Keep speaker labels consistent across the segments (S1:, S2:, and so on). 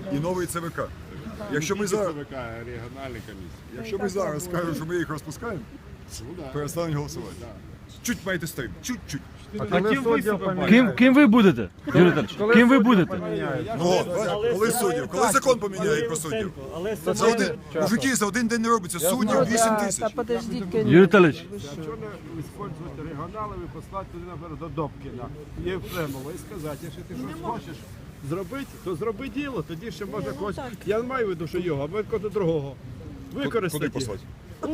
S1: і новий ЦВК. Якщо ми зараз,
S2: ЦВК, регіональні комісії.
S1: якщо ми зараз скажемо, що ми їх розпускаємо, перестануть голосувати. Чуть маєте стоїть, чуть-чуть.
S3: Ким ви будете? Юрій Віталійович, ким ви будете?
S1: Ну, коли суддів, коли закон поміняють про суддів. За один, мужики, за один день не робиться, суддів 8 тисяч.
S3: Юрій Віталійович,
S2: Чого не використовувати регіоналів і послати туди, наприклад, до Добкіна, Єфремова і сказати, якщо ти щось хочеш зробити, то зроби діло, тоді ще може когось. Я не маю в виду, що його, а ми когось другого. Використати.
S1: Куди послати?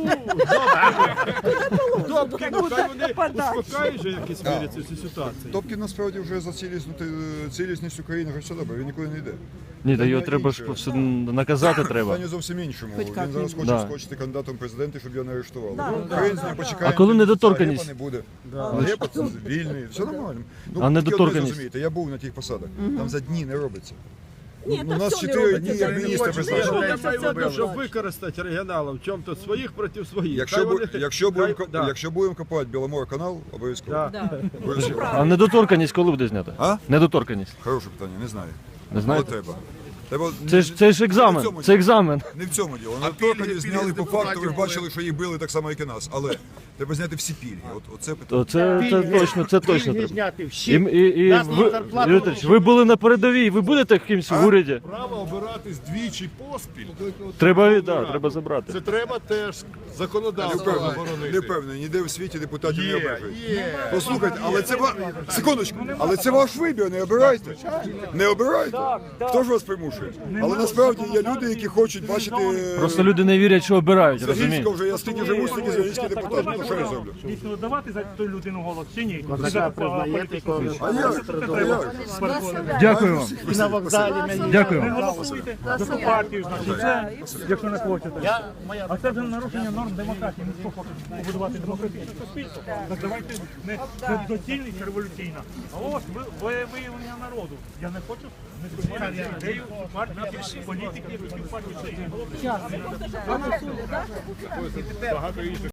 S2: Добкін, хай вони успокають же якісь мірі цю ситуацію.
S1: Добкін насправді вже за цілісність України вже все добре, він нікуди не йде.
S3: ні, та його треба ж все наказати треба.
S1: Питання зовсім іншому. Він зараз хоче
S3: Да.
S1: скочити кандидатом в президенти, щоб його не арештували. Українці не почекаємо.
S3: А коли недоторканність?
S1: Гепа не буде. Гепа це вільний, все нормально. Ну,
S3: А недоторканність?
S1: тільки одне зрозумієте, я був на тих посадах, там за дні не робиться.
S4: Ні,
S1: У
S4: та
S1: нас
S4: все не
S1: 4
S4: робиться,
S1: дні,
S4: це
S1: як
S4: не
S1: міністр
S4: хочуть.
S1: призначив.
S2: Я
S4: Робиться,
S2: маю в
S4: це
S2: виду, щоб
S4: однозначно.
S2: використати регіоналів в чому-то своїх проти своїх.
S1: Якщо будемо копати Біломор-канал, обов'язково. Обов'язково.
S3: А недоторканність коли буде знята?
S1: А?
S3: Недоторканність.
S1: Хороше питання, не знаю.
S3: Не
S1: Але
S3: знаєте?
S1: треба. Треба
S3: Це ж екзамен. Це екзамен.
S1: Не в цьому діло. Недоторканність зняли по факту, ви ж бачили, що їх били так само, як і нас. Але треба зняти всі пільги. Оце питання.
S3: Це точно треба.
S5: зняти
S3: І
S5: всі.
S3: ви, Юрій Віталійович, ви були на передовій, ви будете кимсь в уряді?
S2: Право обиратись двічі поспіль.
S3: Треба забрати.
S2: Це треба теж законодавство заборонити.
S1: Не впевнений, ніде в світі депутатів не обмежують. Послухайте, але це секундочку, але це ваш вибір, не обирайте. Не обирайте. Хто ж вас примушує? Але насправді є люди, які хочуть бачити
S3: Просто люди не вірять, що обирають,
S1: Звягільського
S3: розумієте?
S1: вже, я стільки живу, стільки Звягільський депутат. Ну що я зроблю?
S6: Дійсно давати за ту людину голос чи ні?
S5: Козака признаєте когось.
S1: А як?
S3: Дякую вам.
S5: І на вокзалі мені.
S3: Дякую.
S6: Не голосуйте за ту партію, значить це, якщо не хочете. А це вже нарушення норм демократії. Ми що хочемо побудувати демократичне суспільство? Так давайте не доцільно чи революційно. А ось виявлення народу. Я не хочу не сприймати ідею партії, політики, які в партії.